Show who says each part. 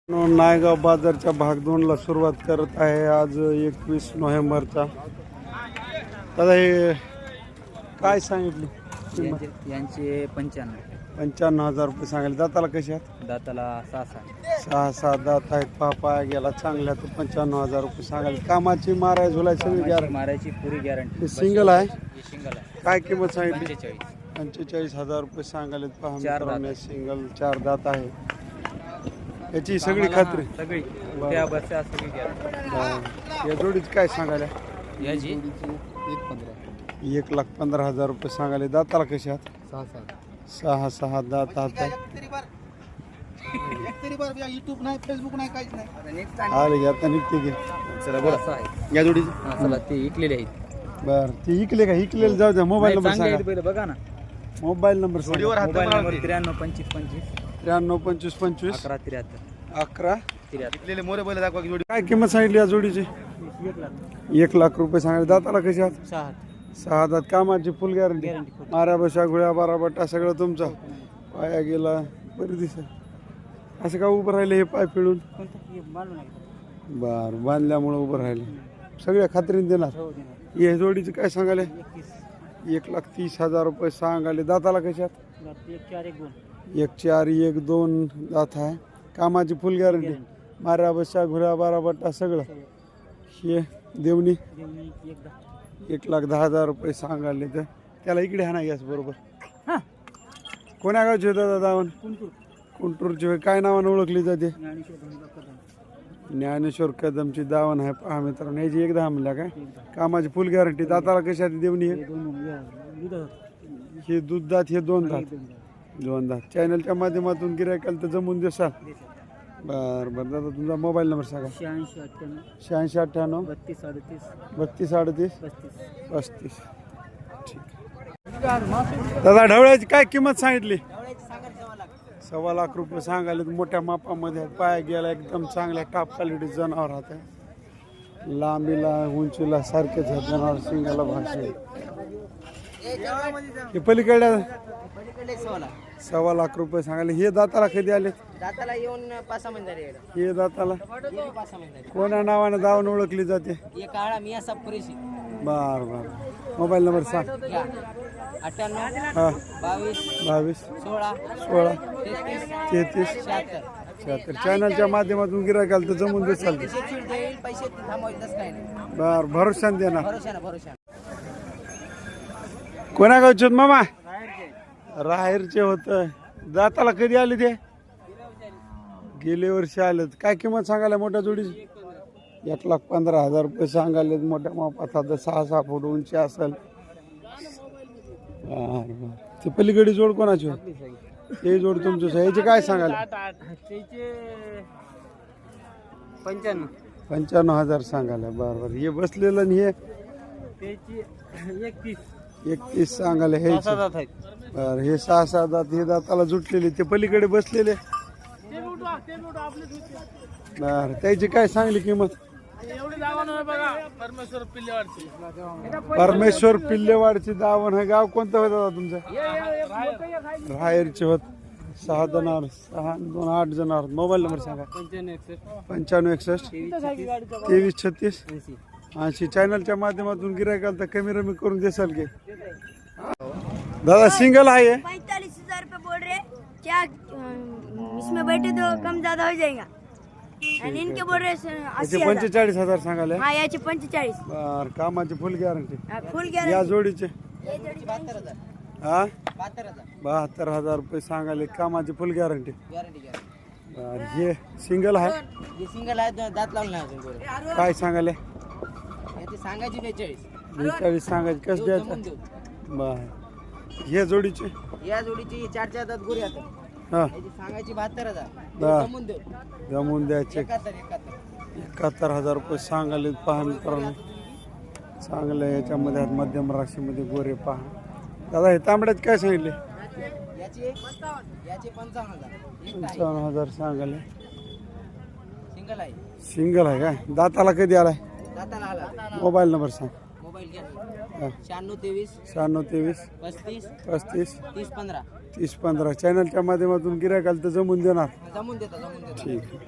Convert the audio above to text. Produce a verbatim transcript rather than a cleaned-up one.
Speaker 1: नायगाव बाजारच्या भाग दोनला सुरुवात करत आहे आज एकवीस नोव्हेंबरचा. दादा हे काय सांगितले किंमत?
Speaker 2: यांचे पंच्याण्णव
Speaker 1: पंच्याण्णव हजार रुपये सांगितले. दाताला कसे आहेत?
Speaker 2: दाताला सहा सहा
Speaker 1: सहा सहा दात आहेत. पापाया गेला चांगल्या तर पंच्याण्णव हजार रुपये सांगायला. कामाची माराय झुलाय सगळी गॅरंटी,
Speaker 2: मारायची पुरी गॅरंटी.
Speaker 1: हे सिंगल आहे.
Speaker 2: सिंगल आहे.
Speaker 1: काय किंमत सांगितली?
Speaker 2: पंचेचाळीस
Speaker 1: पंचेचाळीस हजार रुपये सांगायले. पहा
Speaker 2: चार दात
Speaker 1: मित्रांनो, सिंगल चार दात आहे. याची सगळी खात्री
Speaker 2: सगळी त्या बसच्या सगळी गॅरंटी.
Speaker 1: बरं. या जोडीची काय सांगायला?
Speaker 2: याची एक पंधरा
Speaker 1: एक लाख पंधरा हजार रुपये सांगायले. दाताला कसे आहात?
Speaker 2: सहा सहा
Speaker 1: सहा सहा दात आहात.
Speaker 3: युट्यूब नाही, फेसबुक नाही, काहीच नाही.
Speaker 1: आले घे आता निघते घे.
Speaker 2: चला बरं असं आहे.
Speaker 1: या जोडीची
Speaker 2: हा चला ते इकलेले आहेत.
Speaker 1: बर ती इकले का? इकलेलं जाऊ द्या. मोबाईल नंबर
Speaker 2: चांगले
Speaker 1: सांगा.
Speaker 2: आहेत पहिलं बघा ना.
Speaker 1: मोबाईल नंबर सांगा.
Speaker 2: मोबाईल नंबर त्र्याण्णव पंचवीस पंचवीस
Speaker 1: त्र्याण्णव पंचवीस पंचवीस
Speaker 2: अकरा त्र्याहत्तर
Speaker 1: अकरा.
Speaker 2: त्र्याहत्तर.
Speaker 3: मोरे बैल दाखवा की जोडी.
Speaker 1: काय किंमत सांगितली या जोडीची?
Speaker 2: एक लाख
Speaker 1: एक लाख रुपये सांगितले. दाताला कशी आहात?
Speaker 2: सहा
Speaker 1: सहा दात. कामाची फुल गॅरंटी.
Speaker 2: गॅरंटी फुल.
Speaker 1: माऱ्या बशा गुळ्या बारा बट्टा सगळं तुमचा. पाया गेला बरी दिसत. असं का उभं राहिले हे पाय पिळून? बर बांधल्यामुळं उभं राहिले. सगळ्या खात्रीने देणार. हे जोडीचं काय सांगाले? एक लाख तीस हजार रुपये सांगाले. दाताला कशात?
Speaker 2: एक चार एक दोन
Speaker 1: एक चार एक दोन दात आहे. कामाची फुल गॅरंटी. माऱ्या बशा घुऱ्या बारा बट्टा सगळं. हे देवणी एक लाख दहा हजार रुपये सांगाले. तर त्याला इकडे हा नाही बरोबर. कोण्या गावचे होता दादा? कुंटूरचे. काय नावाने ओळखली जाते? ज्ञानेश्वर कदमची दावण आहे. पहा मित्रांनो, याची एक दहा म्हणल्या काय? कामाची फुल गॅरंटी. दाताला कशात देवणी? हे दूध दात, हे दोन दात. दोन दात. चॅनलच्या माध्यमातून गिरायकाला तर जमून देसाल. बरं बरं दादा तुमचा मोबाईल नंबर सांगा.
Speaker 2: शहाऐंशी अठ्ठ्याण्णव
Speaker 1: शहाऐंशी अठ्ठ्याण्णव
Speaker 2: बत्तीस अडतीस
Speaker 1: बत्तीस अडतीस
Speaker 2: पस्तीस.
Speaker 1: पस्तीस. ठीक. दादा ढवळ्याची काय किंमत सांगितली? सव्वा लाख रुपये सांगायले. मोठ्या मापामध्ये आहेत. पाया गेला एकदम चांगल्या टॉप क्वालिटी जनावर आहे. लांबीला उंचीला सारखेच आहेत जनावर. शिंगाला भाषे. हे पलीकडे सव्वा लाख रुपये सांगायले. हे दाताला कधी आले?
Speaker 3: दाताला येऊन पाच सहा महिने झाले.
Speaker 1: हे दाताला
Speaker 3: पाच सहा महिने
Speaker 1: कोणा नावानं दावून ओळखली जाते?
Speaker 3: झाले. एक काळा मिया सब पुरेशी.
Speaker 1: बर बर. मोबाईल नंबर सांग.
Speaker 3: अठ्ठ्याण्णव
Speaker 1: हा
Speaker 3: बावीस
Speaker 1: बावीस
Speaker 3: सोळा
Speaker 1: सोळा
Speaker 3: तेहतीस
Speaker 1: तेहतीस
Speaker 3: शहात्तर.
Speaker 1: शहात्तर. चॅनलच्या माध्यमातून गिरायकाला तर जमून देसाल.
Speaker 3: शिक्षण देईल, पैसे थांबवायचं काही नाही.
Speaker 1: बर भरोशाने देणार.
Speaker 3: भरोशा ना भरोशा.
Speaker 1: कोणा गावचे होत मामा? राहेरचे होत. दाताला कधी आले ते? गेले वर्षी आलेत. काय किंमत सांगायला मोठ्या जोडीची? एक लाख पंधरा हजार रुपये सांगायले. मोठ्या मापात आता सहा सहा फूट उंची असेल. ते पलीकडे जोड कोणाची होती? ते जोड तुमचं. याचे काय सांगायला?
Speaker 2: पंच्याण्णव
Speaker 1: पंच्याण्णव हजार सांगायला. बरं बरं. हे बसलेलं आणि हे
Speaker 2: एकतीस
Speaker 1: एकतीस सांगायला. हे
Speaker 2: आहेत.
Speaker 1: बरं. हे सहा सहा दात. हे दाताला जुटलेले. ते पलीकडे बसलेले. बरं. त्याची काय सांगली किंमत?
Speaker 2: परमेश्वर पिल्लेवाडची.
Speaker 1: परमेश्वर पिल्लेवाडची दावण आहे. गाव कोणतं होतं दादा तुमचं? राहेरचे होत. सहा जनावर. सहा दोन आठ जनावर. मोबाईल नंबर सांगा. पंच्याण्णव एकसष्ट तेवीस छत्तीस ऐंशी. चॅनलच्या माध्यमातून गिरायकाला तर कमी रमी करून देसाल की? दादा सिंगल आहे.
Speaker 4: पैंतालीस हजार रुपये बोल रहे क्या? इसमें बैठे तो कम ज्यादा हो जाएगा. आणि इनके बोल रहे अस्सी
Speaker 1: याचे
Speaker 4: हजार.
Speaker 1: पंचेचाळीस हजार सांगाले.
Speaker 4: हाँ याचे पंचेचाळीस.
Speaker 1: बर. कामाची फुल गॅरंटी.
Speaker 4: फुल
Speaker 1: या
Speaker 4: गॅरंटी.
Speaker 1: जोडीचे
Speaker 3: बहात्तर हजार.
Speaker 1: हा
Speaker 3: बहात्तर हजार
Speaker 1: बहात्तर हजार रुपये सांगाले. कामाची फुल गॅरंटी.
Speaker 3: Guarantee guarantee.
Speaker 1: बर. हे सिंगल आहे.
Speaker 3: जे सिंगल आहे दात लावून नाही अजून गोरे.
Speaker 1: काय सांगाले?
Speaker 3: याची सांगायची बेचाळीस.
Speaker 1: बेचाळीस सांगायचे. कसं
Speaker 3: जमून
Speaker 1: द्यायचं?
Speaker 3: देऊ.
Speaker 1: बर. हे जोडीचे
Speaker 3: या जोडीची चार चार दात गोरी आता.
Speaker 1: हा
Speaker 3: याची सांगायची बहात्तर हजार.
Speaker 1: हा.
Speaker 3: जमून देऊ.
Speaker 1: जमून द्यायचे.
Speaker 3: एकाहत्तर एकाहत्तर.
Speaker 1: एकाहत्तर हजार रुपये सांगाले. पहा मित्रांनो चांगलं आहे. याच्यामध्ये आहेत मध्यम राशीमध्ये गोरे. पहा दादा हे तांबड्याचे काय सांगितले?
Speaker 3: याची याची पंचावन्न हजार. एक आहे.
Speaker 1: पंचावन्न हजार सांगाले.
Speaker 3: सिंगल आहे.
Speaker 1: सिंगल आहे काय? दाताला कधी आलाय?
Speaker 3: दाताला आला.
Speaker 1: मोबाईल नंबर सांग.
Speaker 3: मोबाईल घ्या.
Speaker 1: हा.
Speaker 3: शहाण्णव तेवीस
Speaker 1: शहाण्णव तेवीस
Speaker 3: पस्तीस
Speaker 1: पस्तीस
Speaker 3: तीस पंधरा.
Speaker 1: तीस पंधरा. चॅनलच्या माध्यमातून गिरायकाला तर जमून देणार.
Speaker 3: जमून देता जमून देता.
Speaker 1: ठीक.